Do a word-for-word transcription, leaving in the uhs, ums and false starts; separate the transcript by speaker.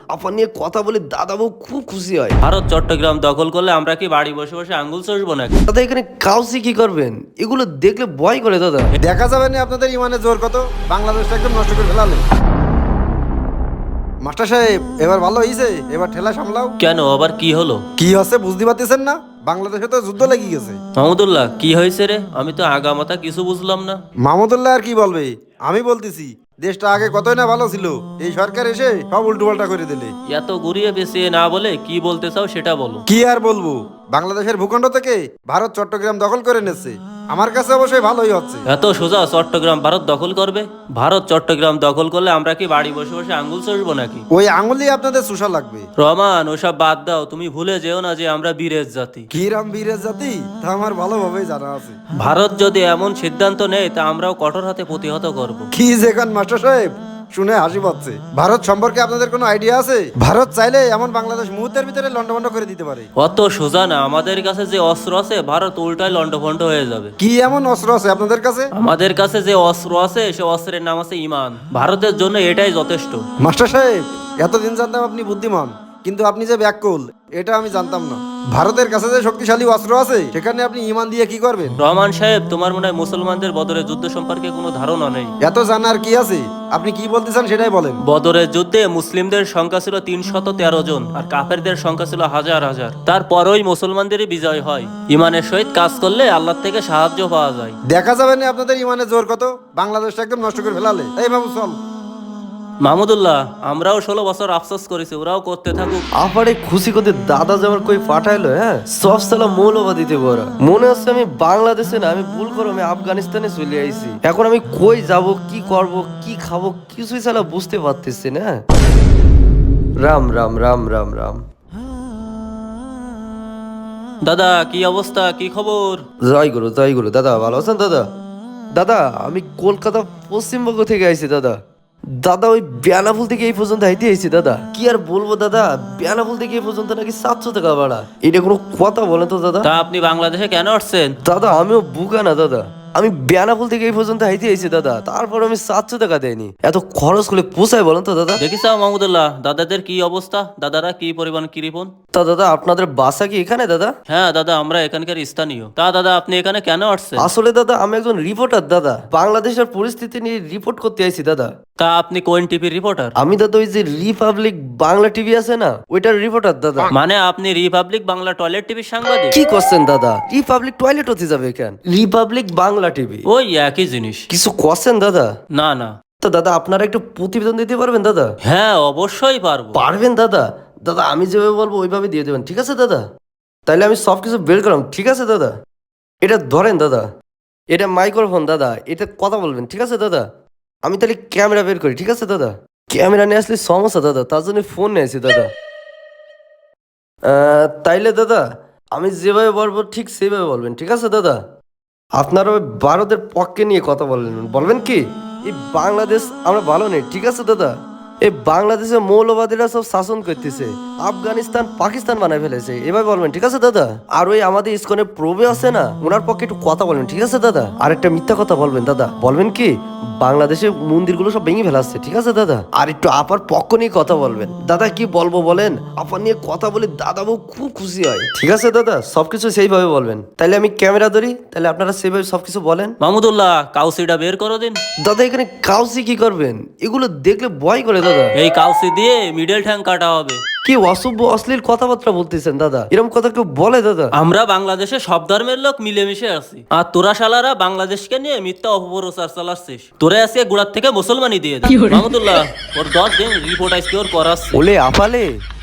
Speaker 1: আপা নিয়ে কথা বলে দাদা বউ খুব খুশি হয়।
Speaker 2: ভারত চট্টগ্রাম দখল করলে আমরা কি বাড়ি বসে বসে আঙ্গুল চষবো নাকি?
Speaker 1: দাদা এখানে কাউসি কি করবেন? এগুলো দেখলে ভয় করে দাদা।
Speaker 3: দেখা যাবে না আপনাদের ইমানের জোর কত, বাংলাদেশটা একদম নষ্ট করে ফেলালে। মাস্টার সাহেব এবার ভালো হয়েছে, এবার ঠেলা সামলাও।
Speaker 2: কেন, আবার কি হলো?
Speaker 3: কি হচ্ছে বুঝতে পারতেছেন না? বাংলাদেশে তো যুদ্ধ লেগে গেছে।
Speaker 2: মাহমুদুল্লাহ কি হয়েছে রে? আমি তো আগামাতা কিছু বুঝলাম না।
Speaker 3: মাহমুদুল্লাহ আর কি বলবে, আমি বলতেছি দেশটা আগে কতই না ভালো ছিল, এই সরকার এসে সব উল্টো পাল্টা করে দিলে।
Speaker 2: এত ঘুরিয়ে পেঁচিয়ে না বলে কি বলতে চাও সেটা বলো।
Speaker 3: কি আর বলবো, বাংলাদেশের ভূখণ্ড থেকে ভারত চট্টগ্রাম দখল করে নিচ্ছে। আমার কাছে অবশ্যই ভালোই হচ্ছে।
Speaker 2: এত সোজা চট্টগ্রাম ভারত দখল করবে? ভারত চট্টগ্রাম দখল করলে আমরা কি বাড়ি বসে বসে আঙ্গুল চষবো নাকি?
Speaker 3: ওই আঙুলি আপনাদের সুসা লাগবে।
Speaker 2: রহমান ওসব বাদ দাও, তুমি ভুলে যেও না যে আমরা বীরের জাতি।
Speaker 3: কি রাম বীরের জাতি তা আমার ভালোভাবেই জানা আছে।
Speaker 2: ভারত যদি এমন সিদ্ধান্ত নেয় তা আমরাও কঠোর হাতে প্রতিহত করব।
Speaker 3: কি যেখান মাস্টার সাহেব, শুনে হাসি পাচ্ছে। ভারত সম্পর্কে আপনাদের কোনো আইডিয়া আছে? ভারত চাইলে এমন বাংলাদেশ মুহূর্তের ভিতরে লন্ডভন্ড করে দিতে পারে।
Speaker 2: অত সোজা না, আমাদের কাছে যে অস্ত্র আছে ভারত উল্টায় লন্ডভন্ড হয়ে যাবে।
Speaker 3: কি এমন অস্ত্র আছে আপনাদের কাছে?
Speaker 2: আমাদের কাছে যে অস্ত্র আছে সে অস্ত্রের নাম আছে ইমান। ভারতের জন্য এটাই যথেষ্ট।
Speaker 3: মাস্টার সাহেব এতদিন জানতাম আপনি বুদ্ধিমান, কিন্তু আপনি যে ব্যাককুল এটা আমি জানতাম না। ভারতের কাছে যে শক্তিশালী অস্ত্র আছে সেখানে আপনি ইমান দিয়ে কি করবেন?
Speaker 2: রহমান সাহেব, তোমার মনে হয় মুসলমানদের বদরের যুদ্ধ সম্পর্কে কোনো ধারণা নেই।
Speaker 3: এত জানার কি আছে? আপনি কি বলতে চান সেটাই বলেন।
Speaker 2: বদরের যুদ্ধে মুসলিমদের সংখ্যা ছিল তিনশত তেরো জন আর কাফেরদের সংখ্যা ছিল হাজার হাজার। তারপরই মুসলমানদেরই বিজয় হয়। ইমানের সহিত কাজ করলে আল্লাহ থেকে সাহায্য পাওয়া যায়।
Speaker 3: দেখা যাবে না আপনাদের ইমানের জোর কত, বাংলাদেশটা একদম নষ্ট করে ফেলালে। এই বাবু চল।
Speaker 2: মাহমুদুল্লাহ, আমরাও ষোলো বছর আফসোস করেছি, ওরাও করতে থাকুক।
Speaker 1: আপারে খুশি করতে দাদা যাবার কই পাঠাইলো। হ্যাঁ সব সালা মৌলবাদীতে বড় মনে হচ্ছে আমি বাংলাদেশে না, আমি ভুল করো আমি আফগানিস্তানে চলে আইছি। এখন আমি কই যাব, কি করব, কি খাবো কিছুই সালা বুঝতে পারতেছি না। রাম রাম রাম রাম রাম।
Speaker 2: দাদা কি অবস্থা, কি খবর?
Speaker 1: জয় গুরু জয় গুরু। দাদা ভালো আছেন দাদা? দাদা আমি কলকাতা পশ্চিমবঙ্গ থেকে আইছি দাদা। দাদা ওই বেনাফুল থেকে এই পর্যন্ত আইতে আইছি দাদা। কি আর বলবো দাদা, বেনাফুল থেকে এই পর্যন্ত নাকি সাতশো টাকা ভাড়া। এটা কোনো কথা বলেন তো দাদা?
Speaker 2: তা আপনি বাংলাদেশে কেন আসছেন?
Speaker 1: দাদা আমিও বুকা না দাদা, আমি বেনাফুল থেকে এই পর্যন্ত আইতে আইছি দাদা, তারপর আমি সাতশো টাকা দেয়নি। এত খরচ করে পোষায় বলেন তো দাদা?
Speaker 2: দেখিস মাহমুদুল্লাহ দাদাদের কি অবস্থা, দাদারা কি পরিমাণ কৃপণ।
Speaker 1: তা দাদা আপনাদের বাসা কি এখানে দাদা?
Speaker 2: হ্যাঁ দাদা, আমরা এখানকার স্থানীয়। তা দাদা আপনি এখানে কেন আসছেন?
Speaker 1: আসলে দাদা আমি একজন রিপোর্টার দাদা, বাংলাদেশের পরিস্থিতি নিয়ে রিপোর্ট করতে আইছি দাদা।
Speaker 2: তা আপনি কোন টিভির রিপোর্টার?
Speaker 1: আমি দাদা ওই যে রিপাবলিক বাংলা টিভি আছে না, ওইটার রিপোর্টার দাদা।
Speaker 2: মানে আপনি রিপাবলিক বাংলা টয়লেট টিভির সাংবাদিক?
Speaker 1: কি করছেন দাদা? রিপাবলিক টয়লেট হতে যাবে কেন? রিপাবলিক বাংলা টিভি
Speaker 2: ওই একই জিনিস।
Speaker 1: কিছু করছেন দাদা?
Speaker 2: না না।
Speaker 1: তো দাদা আপনারা একটু প্রতিবেদন দিতে পারবেন দাদা?
Speaker 2: হ্যাঁ অবশ্যই পারবো।
Speaker 1: পারবেন দাদা? দাদা আমি যেভাবে বলবো ওইভাবে দিয়ে দেবেন, ঠিক আছে দাদা? তাইলে আমি সব কিছু বের করলাম, ঠিক আছে দাদা? এটা ধরেন দাদা, এটা মাইক্রোফোন দাদা, এটা কথা বলবেন, ঠিক আছে দাদা? আমি তাহলে ক্যামেরা বের করি, ঠিক আছে দাদা? ক্যামেরা নিয়ে আসলে সমস্যা দাদা, তার জন্য ফোন নিয়েছি দাদা। আহ, তাইলে দাদা আমি যেভাবে বলবো ঠিক সেভাবে বলবেন, ঠিক আছে দাদা? আপনারা ওই ভারতের পক্ষে নিয়ে কথা বলবেন, বলবেন কি এই বাংলাদেশ আমরা ভালো নেই, ঠিক আছে দাদা? এই বাংলাদেশে মৌলবাদীরা সব শাসন করতেছে, আফগানিস্তান পাকিস্তান বানায় ফেলেছে, এভাবে বলবেন, ঠিক আছে দাদা? আর ওই আমাদের ইসকনে প্রবে আছে না, ওনার পক্ষে একটু কথা বলবেন, ঠিক আছে দাদা? আর একটা মিথ্যা কথা বলবেন দাদা, বলবেন কি বাংলাদেশে মন্দিরগুলো সব ভেঙে ফেলাচ্ছে, ঠিক আছে দাদা? আর একটু আপার পক্ষ নিয়ে কথা বলবেন দাদা। কি বলবো বলেন, আপা নিয়ে কথা বলে দাদা বউ খুব খুশি হয়, ঠিক আছে দাদা? সবকিছু সেইভাবে বলবেন। তাইলে আমি ক্যামেরা ধরি, তাহলে আপনারা সেইভাবে সবকিছু বলেন।
Speaker 2: মাহমুদুল্লাহ কাউসিটা বের করো দিন।
Speaker 1: দাদা এখানে কাউসি কি করবেন? এগুলো দেখলে ভয় করে দাদা।
Speaker 2: এই কাউসি দিয়ে মিডল ঠ্যাং কাটা হবে।
Speaker 1: কি অসভ্য অশ্লীল কথাবার্তা বলতেছেন দাদা, এরকম কথা কেউ বলে দাদা?
Speaker 2: আমরা বাংলাদেশে সব ধর্মের লোক মিলেমিশে আছি, আর তোরা শালারা বাংলাদেশকে নিয়ে মিথ্যা অপপ্রচার চালাচ্ছিস। তোরা আজকে গোড়ার থেকে মুসলমানই দিয়ে দে। মাহমুদুল্লাহ ওর দশ দিন রিপোর্ট আজকে ওর করাচ্ছে।
Speaker 1: ওলে আপালে